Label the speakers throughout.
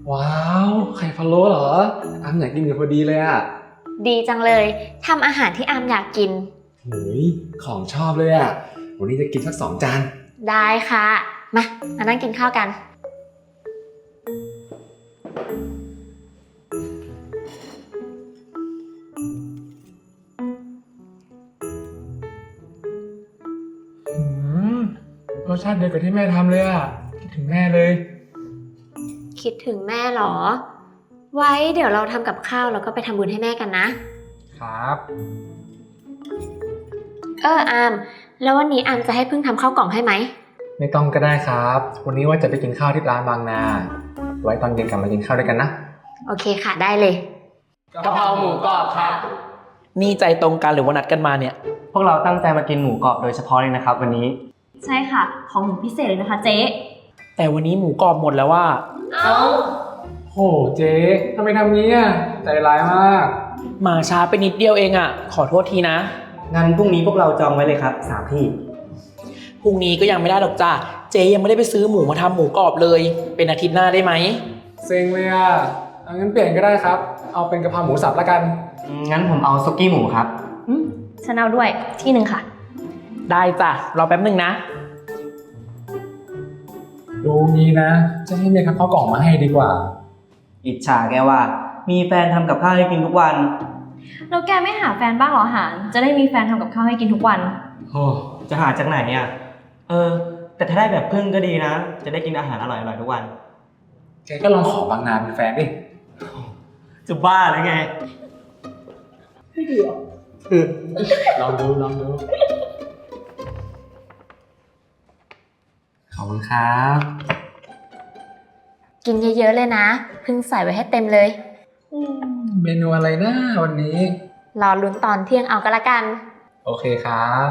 Speaker 1: ว้าวไข่พะโล้เหรออามอยากกินกันพอดีเลยอ่ะ
Speaker 2: ดีจังเลยทำอาหารที่อามอยากกิน
Speaker 1: เฮ้ยของชอบเลยอ่ะวันนี้จะกินสัก2 จาน
Speaker 2: ได้ค่ะมานั่งกินข้าวกัน
Speaker 1: รสชาติเดียวกับที่แม่ทำเลยอ่ะคิดถึงแม่เลย
Speaker 2: คิดถึงแม่เหรอไว้เดี๋ยวเราทำกับข้าวแล้วก็ไปทำบุญให้แม่กันนะครับอามแล้ววันนี้อามจะให้พึ่งทำข้าวกล่องให้ไหม
Speaker 1: ไม่ต้องก็ได้ครับวันนี้ว่าจะไปกินข้าวที่ร้านบางนาไว้ตอนเย็นกลับมากินข้าวด้วยกันนะ
Speaker 2: โอเคค่ะได้เลย
Speaker 1: กะเพราหมูกรอบครับ
Speaker 3: นี่ใจตรงกันหรือว่านัดกันมาเนี่ย
Speaker 4: พวกเราตั้งใจมากินหมูกรอบโดยเฉพาะเลยนะครับวันนี้
Speaker 5: ใช่ค่ะของหนูพิเศษเลยนะคะเจ๊
Speaker 3: แต่วันนี้หมูกรอบหมดแล้วว่า
Speaker 1: โหเจ๊ทำไมทำงี้อ่ะใจร้ายมาก
Speaker 3: มาช้าไปนิดเดียวเองอ่ะขอโทษทีนะ
Speaker 4: งั้นพรุ่งนี้พวกเราจองไว้เลยครับ3 ที่
Speaker 3: พรุ่งนี้ก็ยังไม่ได้หรอกจ้าเจ๊ยังไม่ได้ไปซื้อหมูมาทำหมูกรอบเลยเป็นอาทิตย์หน้าได้ไหม
Speaker 1: เซ็งเลยอ่ะงั้นเปลี่ยนก็ได้ครับเอาเป็นกะเพราหมูสับละกัน
Speaker 4: งั้นผมเอาซุกี้หมูครับ
Speaker 5: ฉันเอาด้วยที่หนึ่งค่ะ
Speaker 3: ได้จ้ะรอแป๊บหนึ่งนะ
Speaker 1: ดูงี้นะจะให้เมียทำข้าวกล่องมาให้ดีกว่า
Speaker 4: อิจฉาแกว่ามีแฟนทำกับข้าวให้กินทุกวัน
Speaker 5: แล้วแกไม่หาแฟนบ้างเหรอหานจะได้มีแฟนทำกับข้าวให้กินทุกวัน
Speaker 4: โอ้จะหาจากไหนอ่ะแต่ถ้าได้แบบพึ่งก็ดีนะจะได้กินอาหารอร่อยๆทุกวัน
Speaker 1: แกก็ลองขอบางนาเป็นแฟนดิ
Speaker 4: จะบ้าหรือไง
Speaker 5: ไม่ดีหรอ
Speaker 1: ลองดูขอบคุณครับ
Speaker 2: กินเยอะๆเลยนะพึ่งใส่ไว้ให้เต็มเลย
Speaker 1: เมนูอะไรนะวันนี้
Speaker 2: รอลุ้นตอนเที่ยงเอาก็แล้วกัน
Speaker 1: โอเคครับ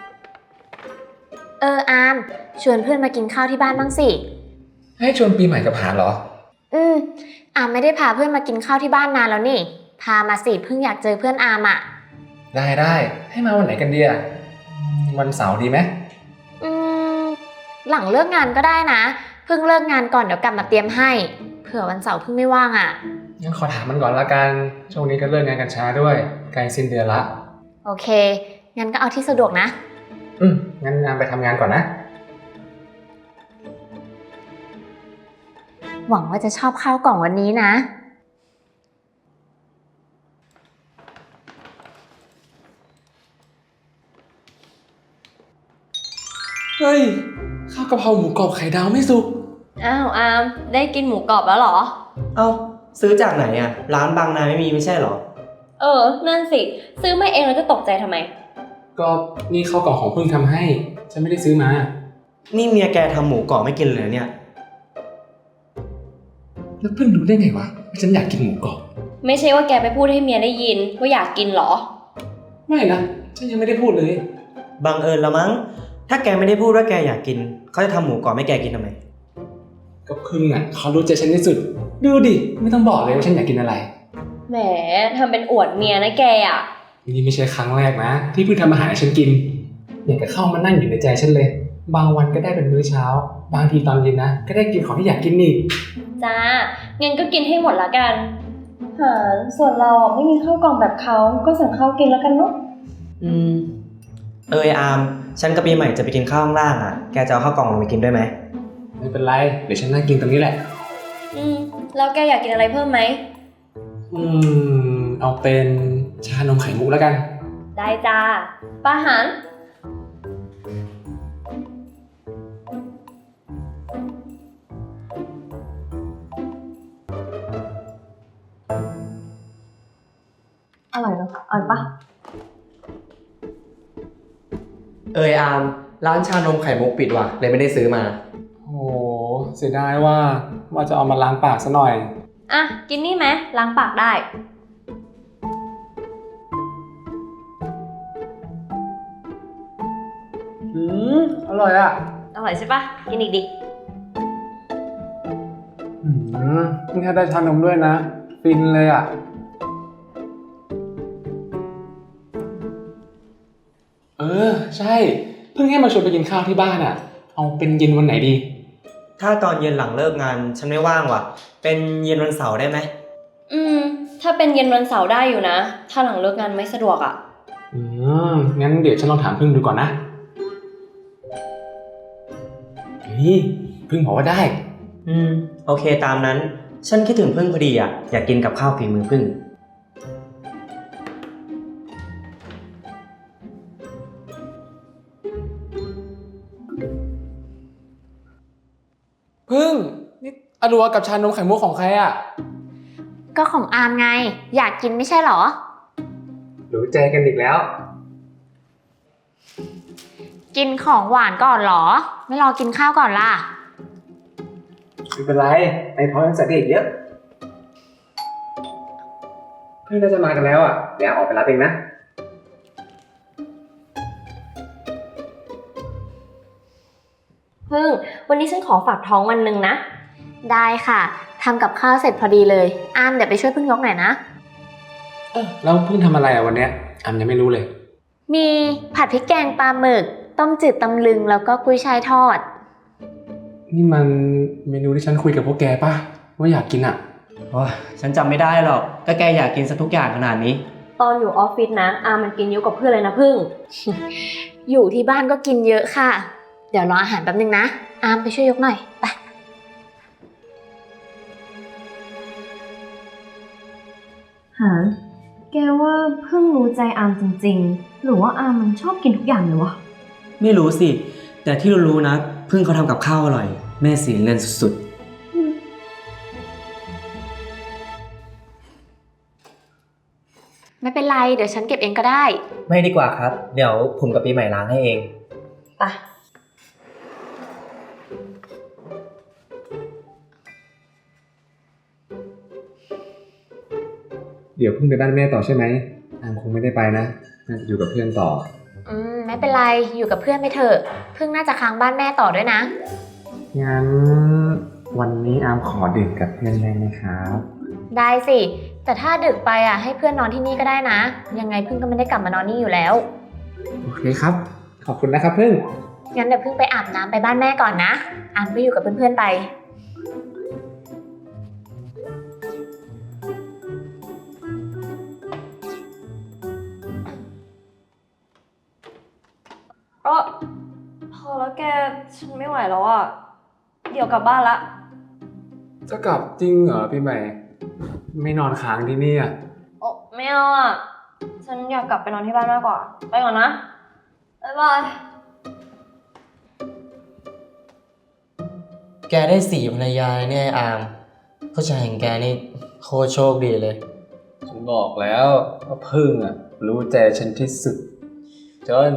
Speaker 2: อามชวนเพื่อนมากินข้าวที่บ้านบ้างสิ
Speaker 1: ให้ชวนปีใหม่กับหาเหรอ
Speaker 2: อามไม่ได้พาเพื่อนมากินข้าวที่บ้านนานแล้วนี่พามาสิเพิ่งอยากเจอเพื่อนอามอ่ะ
Speaker 1: ได้ให้มาวันไหนกันดีอ่ะวันเสาร์ดีไหม
Speaker 2: หลังเลิกงานก็ได้นะเพิ่งเลิกงานก่อนเดี๋ยวกลับมาเตรียมให้เผื่อวันเสาร์เพิ่งไม่ว่างอ่ะ
Speaker 1: งั้นขอถามมันก่อนละกันช่วงนี้ก็เลิกงานกันช้าด้วยใกล้สิ้นเดือนละ
Speaker 2: โอเคงั้นก็เอาที่สะดวกนะ
Speaker 1: งั้นงานไปทำงานก่อนนะ
Speaker 2: หวังว่าจะชอบข้าวกล่องวันนี้นะ
Speaker 1: เฮ้ยข้าวกะเพราหมูกรอบไข่ดาวไม่สุก
Speaker 5: อ้าวอามได้กินหมูกรอบแล้วเหรอ
Speaker 4: ซื้อจากไหนอ่ะร้านบางนาไม่มีไม่ใช่เหรอ
Speaker 5: นั่นสิซื้อมาเองแล้วจะตกใจทำไม
Speaker 1: ก็นี่ข้าวกล่องของเพิ่งทำให้ฉันไม่ได้ซื้อมา
Speaker 4: นี่เมียแกทำหมูกรอบไม่กินเลยเนี่ย
Speaker 1: แล้วเพิ่งรู้ได้ไงวะว่าฉันอยากกินหมูกรอบ
Speaker 5: ไม่ใช่ว่าแกไปพูดให้เมียได้ยินว่าอยากกินเหรอ
Speaker 1: ไม่นะฉันยังไม่ได้พูดเลย
Speaker 4: บังเอิญละมั้งถ้าแกไม่ได้พูดว่าแกอยากกินเขาจะทำหมูกรอบให้แกกินทำไม
Speaker 1: ก็พึ่งอ่ะเขารู้ใจฉันที่สุดดูดิไม่ต้องบอกเลยว่าฉันอยากกินอะไร
Speaker 5: แหมทำเป็นอวดเมียนะแกอ่ะ
Speaker 1: นี่ไม่ใช่ครั้งแรกนะที่พึ่งทำอาหารให้ฉันกินอยากจะเข้ามานั่งอยู่ในใจฉันเลยบางวันก็ได้เป็นมื้อเช้าบางทีตอนเย็นนะก็ได้กินของที่อยากกินอีก
Speaker 5: จ้างั้นก็กินให้หมดละกันส่วนเราไม่มีข้าวกล่องแบบเขาก็สั่งข้าวกินแล้วกันเนาะ
Speaker 4: อามฉันกับปีใหม่จะไปกินข้าวข้างล่างอ่ะแกจะเอาข้าวกล่องลงไปกินด้วยไหม
Speaker 1: ไม่เป็นไรเดี๋ยวฉันนั่งกินตรงนี้แหละ
Speaker 5: แล้วแกอยากกินอะไรเพิ่มไหม
Speaker 1: เอาเป็นชานมไข่มุกแล้วกัน
Speaker 5: ได้จ้าป้าหันอร่อยเนอะอร่อยปะ
Speaker 4: อามร้านชานมไข่มุกปิดว่ะเลยไม่ได้ซื้อมา
Speaker 1: โอ้เสียดายว่าจะเอามาล้างปากซะหน่อย
Speaker 5: กินนี่ไหมล้างปากได้
Speaker 1: อร่อยอ่ะ
Speaker 5: อร่อยใช่ปะกินอีกดิ
Speaker 1: นี่ถ้าได้ชานมด้วยนะฟินเลยอ่ะใช่เพิ่งให้มาชวนไปกินข้าวที่บ้านอ่ะเอาเป็นเย็นวันไหนดี
Speaker 4: ถ้าตอนเย็นหลังเลิกงานฉันไม่ว่างว่ะ เป็นเย็นวันเสาร์ได้ไหม
Speaker 5: ถ้าเป็นเย็นวันเสาร์ได้อยู่นะ ถ้าหลังเลิกงานไม่สะดวกอะ
Speaker 1: งั้นเดี๋ยวฉันลองถามพึ่งดูก่อนนะเฮ้ยพึ่งบอกว่าได้
Speaker 4: โอเคตามนั้น ฉันคิดถึงพึ่งพอดีอ่ะ อยากกินกับข้าวฝีมือพึ่ง
Speaker 1: พึ่งนี่อรัวกับชานมไข่มุกของใครอ่ะ
Speaker 2: ก็ของอามไง อยากกินไม่ใช่เหรอ
Speaker 1: รู้ใจกันอีกแล้ว
Speaker 2: กินของหวานก่อนเหรอ ไม่รอกินข้าวก่อนล่ะ
Speaker 1: ไม่เป็นไรไอ้พร้อมยังใส่ได้อีกเยอะเพื่อนน่าจะมากันแล้วอ่ะเดี๋ยวออกไปรับเองนะ
Speaker 5: พึ่ง วันนี้ฉันขอฝากท้องวันหนึ่งนะ
Speaker 2: ได้ค่ะทำกับข้าวเสร็จพอดีเลยอามเดี๋ยวไปช่วยพึ่งยกหน่อยนะ
Speaker 1: แล้วพึ่งทำอะไรอ่ะวันเนี้ยอามยังไม่รู้เลย
Speaker 2: มีผัดพริกแกงปลาหมึก ต้มจืดตำลึงแล้วก็กุ้ยช่ายทอด
Speaker 1: นี่มันเมนูที่ฉันคุยกับพวกแกป่ะว่าอยากกินอ่ะ
Speaker 4: โอ้ยฉันจำไม่ได้หรอกก็แกอยากกินซะทุกอย่างขนาดนี้
Speaker 5: ตอนอยู่ออฟฟิศนะ อามันกินเยอะกว่าเพื่อนเลยนะพึ่ง
Speaker 2: อยู่ที่บ้านก็กินเยอะค่ะ เดี๋ยวรออาหารแป๊บนึงนะอามไปช่วยยกหน่อยไป
Speaker 5: หา แกว่าพึ่งรู้ใจอามจริงๆ หรือว่าอามมันชอบกินทุกอย่างเลยวะ
Speaker 4: ไม่รู้สิ แต่ที่รู้ๆนะ พึ่งเขาทำกับข้าวอร่อย แม่สีเงินสุด
Speaker 2: ไม่เป็นไรเดี๋ยวฉันเก็บเองก็ได้
Speaker 4: ๆ ไม่ดีกว่าครับ เดี๋ยวผมกับปีใหม่ล้างให้เอง
Speaker 5: ไป
Speaker 1: เดี๋ยวพึ่งไปบ้านแม่ต่อใช่ไหมอามคงไม่ได้ไปนะน่าจะอยู่กับเพื่อนต่อ
Speaker 2: ไม่เป็นไรอยู่กับเพื่อนไปเถอะพึ่งน่าจะค้างบ้านแม่ต่อด้วยนะ
Speaker 1: งั้นวันนี้อามขอดื่มกับเพื่อนได้ไหมครับ
Speaker 2: ได้สิแต่ถ้าดึกไปอ่ะให้เพื่อนนอนที่นี่ก็ได้นะ ยังไงพึ่งก็ไม่ได้กลับมานอนนี่อยู่แล้ว
Speaker 1: โอเคครับ ขอบคุณนะครับพึ่ง
Speaker 2: งั้นเดี๋ยวพึ่งไปอาบน้ำไปบ้านแม่ก่อนนะอามก็อยู่กับเพื่อนๆไป
Speaker 5: พอแล้วแก ฉันไม่ไหวแล้วอ่ะ เดี๋ยวกลับบ้านละ
Speaker 1: จะกลับจริงเหรอพี่ใหม่ ไม่นอนค้างที่นี่อ่ะ
Speaker 5: โอ้ไม่เอาอ่ะ ฉันอยากกลับไปนอนที่บ้านมากกว่า ไปก่อนนะ บ๊ายบาย
Speaker 4: แกได้4 ภรรยาเนี่ยอามผู้ชายอย่างแกนี่โคตรโชคดีเลย
Speaker 1: ฉันบอกแล้วว่าพึ่งอ่ะ รู้ใจฉันที่สุดจน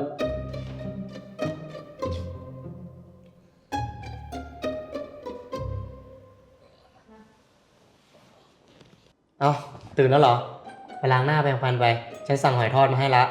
Speaker 4: เอ้าตื่นแล้วเหรอ ไปล้างหน้าแปรงฟันไป ฉันสั่งหอยทอดมาให้ละ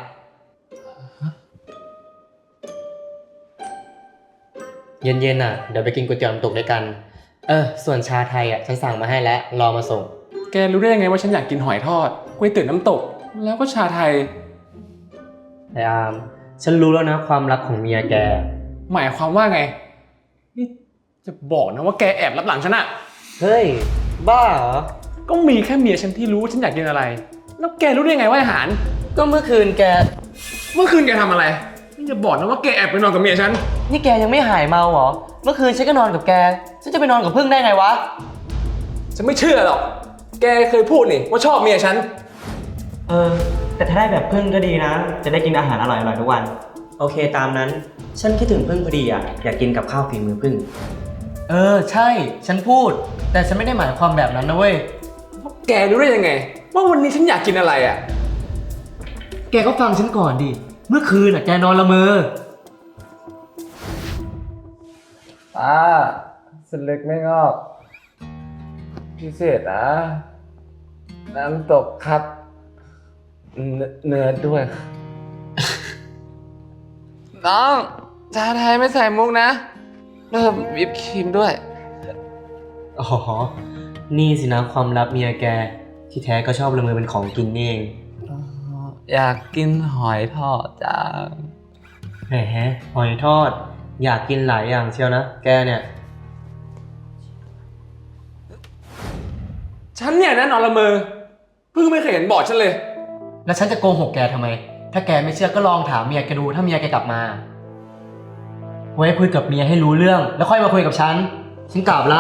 Speaker 4: เย็นๆเดี๋ยวไปกินก๋วยเตี๋ยวน้ำตกด้วยกัน ส่วนชาไทยฉันสั่งมาให้แล้ว รอมาส่ง
Speaker 1: แกรู้ได้ยังไงว่าฉันอยากกินหอยทอดก๋วยเตี๋ยวน้ำตก แล้วก็ชาไทย
Speaker 4: ไอ้อาม ฉันรู้แล้วนะความลับของเมียแก
Speaker 1: หมายความว่าไง นี่จะบอกนะว่าแกแอบรับหลังฉันอะ
Speaker 4: เฮ้ย บ้าเหรอ
Speaker 1: ก็มีแค่เมียฉันที่รู้ว่าฉันอยากกินอะไร แล้วแกรู้ได้ยังไงว่าอาหาร
Speaker 4: ก็เมื่อคืนแก
Speaker 1: เมื่อคืนแกทำอะไรนี่จะบอกนะว่าแกแอบไปนอนกับเมียฉัน
Speaker 4: นี่แกยังไม่หายเมาเหรอ เมื่อคืนฉันก็นอนกับแก ฉันจะไปนอนกับพึ่งได้ไงวะ
Speaker 1: ฉันไม่เชื่อหรอก แกเคยพูดนี่ว่าชอบเมียฉัน
Speaker 4: แต่ถ้าได้แบบพึ่งก็ดีนะ จะได้กินอาหารอร่อยๆทุกวัน โอเคตามนั้น ฉันคิดถึงพึ่งพอดีอยากกินกับข้าวฝีมือพึ่ง ใช่ ฉันพูด แต่ฉันไม่ได้หมายความแบบนั้นนะเว้ย
Speaker 1: แกรู้ได้ยังไง ว่าวันนี้ฉันอยากกินอะไรอะ
Speaker 4: แกก็ฟังฉันก่อนดิ เมื่อคืนแกนอนละเมอ
Speaker 1: เส้นเล็กไม่งอก พิเศษนะ น้ำตกครับ เนื้อด้วย น้อง ชาไทยไม่ใส่มุกนะเพิ่มวิปครีมด้วย
Speaker 4: อ๋อ นี่สินะความลับเมียแก ที่แท้ก็ชอบละเมอเป็นของกินนี่เอง
Speaker 1: อยากกินหอยทอดจ้า
Speaker 4: แหมหอยทอด อยากกินหลายอย่างเชียวนะ แกเนี่ย
Speaker 1: ฉันเนี่ยนะนอนละเมอเพิ่งไม่เคยเห็นบอกฉันเลย
Speaker 4: แล้วฉันจะโกหกแกทำไม ถ้าแกไม่เชื่อก็ลองถามเมียแกดูถ้าเมียแกกลับมา ไว้คุยกับเมียให้รู้เรื่อง แล้วค่อยมาคุยกับฉัน ฉันกลับละ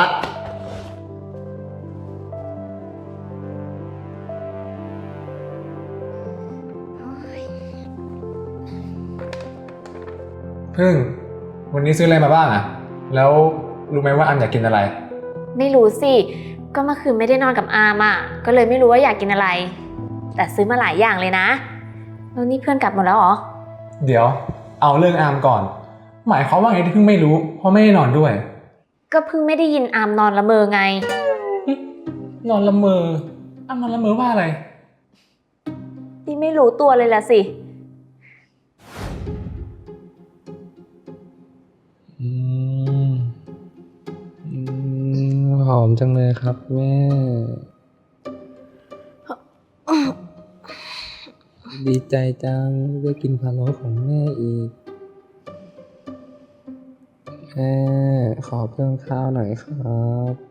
Speaker 1: พึ่ง วันนี้ซื้ออะไรมาบ้างอะแล้วรู้ไหมว่าอามอยากกินอะไร
Speaker 2: ไม่รู้สิ ก็เมื่อคืนไม่ได้นอนกับอามอ่ะ ก็เลยไม่รู้ว่าอยากกินอะไร แต่ซื้อมาหลายอย่างเลยนะ แล้วนี่เพื่อนกลับหมดแล้วเหรอ
Speaker 1: เดี๋ยว เอาเรื่องอามก่อน หมายความว่าไงที่เพิ่งไม่รู้เพราะไม่ได้นอนด้วย
Speaker 2: ก็เพิ่งไม่ได้ยินอามนอนละเมอไง
Speaker 1: นอนละเมออามนอนละเมอว่าอะไร
Speaker 2: นี่ไม่รู้ตัวเลยละสิ
Speaker 1: หอมจังเลยครับแม่ ดีใจจังได้กินพะโล้ของแม่อีก แม่ขอเพิ่มข้าวหน่อยครับ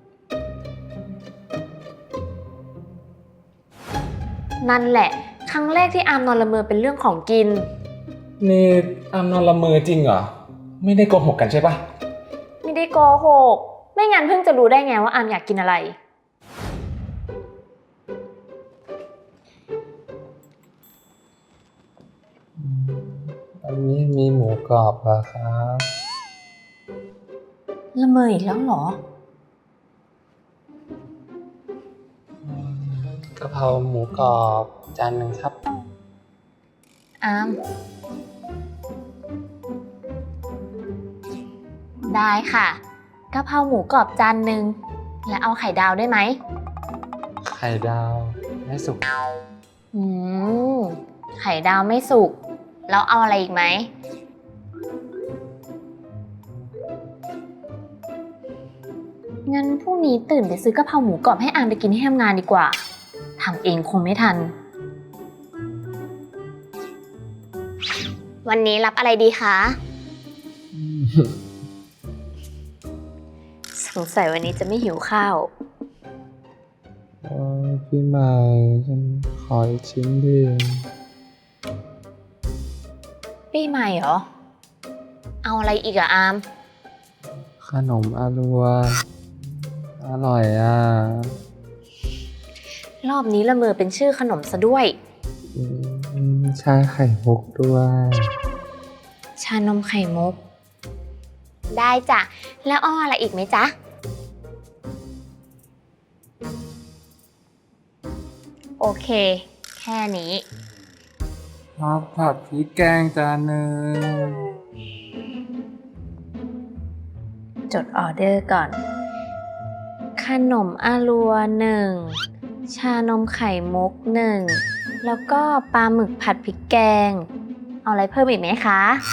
Speaker 2: นั่นแหละ ครั้งแรกที่อามนอนละเมอเป็นเรื่องของกิน
Speaker 1: นี่อามนอนละเมอจริงเหรอ ไม่ได้โกหกกันใช่ปะ
Speaker 2: ไม่ได้โกหก ไม่งั้นเพิ่งจะรู้ได้ไงว่าอามอยากกินอะไร
Speaker 1: อันนี้มีหมูกรอบเหรอครับ
Speaker 2: ละเมออีกแล้วเหรอ
Speaker 1: กะเพราหมูกรอบจานหนึ่งครับ
Speaker 2: อาม ได้ค่ะกะเพราหมูกรอบจานหนึ่งและเอาไข่ดาวได้ไหม
Speaker 1: ไข่ดาวไม่สุก
Speaker 2: อืม ไข่ดาวไม่สุก แล้วเอาอะไรอีกไหม งั้นพรุ่งนี้ตื่นไปซื้อกะเพราหมูกรอบให้อามไปกินที่ทำงานดีกว่า ทำเองคงไม่ทัน วันนี้รับอะไรดีคะ สงสัยวันนี้จะไม่หิวข้าว
Speaker 1: พี่ใหม่ฉันขออีกชิ้นดิ
Speaker 2: ปีใหม่เหรอ เอาอะไรอีกอะอาม
Speaker 1: ขนมอารัว อร่อยอ่ะ
Speaker 2: รอบนี้ละเมอเป็นชื่อขนมซะด้วย
Speaker 1: ชาไข่มุกด้วย
Speaker 2: ชานมไข่มุก ได้จ้ะ แล้วอ้ออะไรอีกไหมจ๊ะ โอเค แค่นี้
Speaker 1: ผัดพริกแกงจานหนึ่ง
Speaker 2: จดออเดอร์ก่อน ขนมอารัวหนึ่ง ชานมไข่มุกหนึ่ง แล้วก็ปลาหมึกผัดพริกแกง เอาอะไรเพิ่มอีกไหมคะ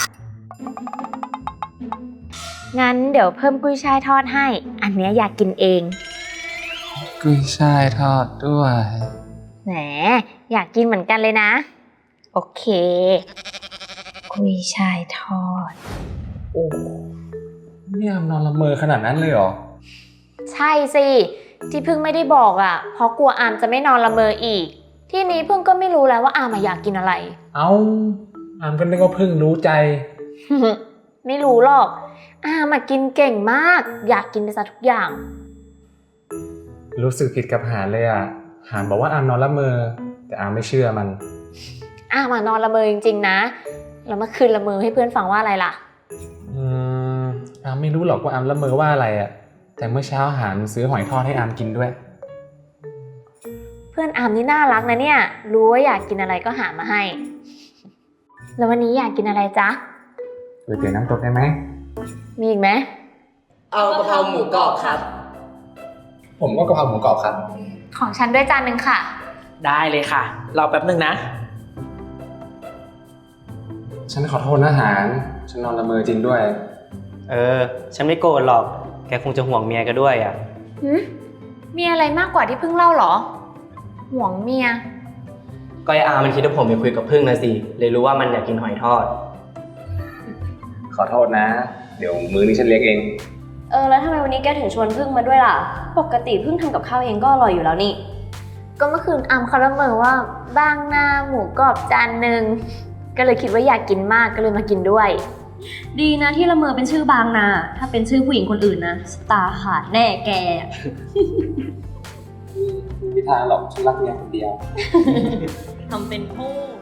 Speaker 2: งั้นเดี๋ยวเพิ่มกุ้ยช่ายทอดให้ อันเนี้ยอยากกินเอง
Speaker 1: กุ้ยช่ายทอดด้วย
Speaker 2: แหม อยากกินเหมือนกันเลยนะ โอเค กุ้ยช่ายทอด
Speaker 1: โอ้เนี่ยนอนละเมอขนาดนั้นเลยเหรอ
Speaker 2: ใช่สิ ที่พึ่งไม่ได้บอกอ่ะ เพราะกลัวอามจะไม่นอนละเมออีก ที่นี้พึ่งก็ไม่รู้แล้วว่าอามอยากกินอะไร
Speaker 1: อามก็นึกว่าเพิ่งรู้ใจ
Speaker 2: ไม่รู้หรอก อามกินเก่งมาก อยากกินไปซะทุกอย่าง
Speaker 1: รู้สึกผิดกับหานเลยอ่ะ หานบอกว่าอามนอนละเมอ แต่อามไม่เชื่อมัน
Speaker 2: อามนอนละเมอจริงๆนะ แล้วเมื่อคืนละเมอให้เพื่อนฟังว่าอะไรล่ะ
Speaker 1: อามไม่รู้หรอกว่าอามละเมอว่าอะไรอ่ะ แต่เมื่อเช้าหานซื้อหอยทอดให้อามกินด้วย
Speaker 2: เพื่อนอามนี่น่ารักนะเนี่ย รู้ว่าอยากกินอะไรก็หามาให้ แล้ววันนี้อยากกินอะไรจ๊ะ
Speaker 1: ก๋วยเตี๋ยวน้ำตกได้ไหม
Speaker 2: มีอีกไหม
Speaker 3: เอากะเพราหมูกรอบครับ
Speaker 1: ผมก็กะเพราหมูกรอบครับ
Speaker 2: ของฉันด้วยจานหนึ่งค่ะ
Speaker 3: ได้เลยค่ะ รอแป๊บนึงนะ
Speaker 1: ฉันขอโทษนะหาน ฉันนอนละเมอจริงด้วย
Speaker 4: ฉันไม่โกรธหรอก แกคงจะห่วงเมียแกด้วยอ่ะ
Speaker 2: มีอะไรมากกว่าที่เพิ่งเล่าเหรอ ห่วงเมีย
Speaker 4: ก็ไอ้อามันคิดว่าผมไปคุยกับพึ่งนะสิ เลยรู้ว่ามันอยากกินหอยทอด
Speaker 1: ขอโทษนะ เดี๋ยวมื้อนี้ฉันเลี้ยงเอง
Speaker 5: แล้วทำไมวันนี้แกถึงชวนพึ่งมาด้วยล่ะ ปกติพึ่งทำกับข้าวเองก็อร่อยอยู่แล้วนี่
Speaker 2: ก็เมื่อคืนอำเขาละเมอว่าบางหน้าหมูกรอบจานหนึ่งก็เลยคิดว่าอยากกินมากก็เลยมากินด้วย
Speaker 5: ดีนะที่ละเมอเป็นชื่อบางนา ถ้าเป็นชื่อผู้หญิงคนอื่นนะสตาร์ขาดแน่แก
Speaker 1: ไม่มีทางหรอกฉันรักเมียคนเดียว
Speaker 5: ทำเป็นพูด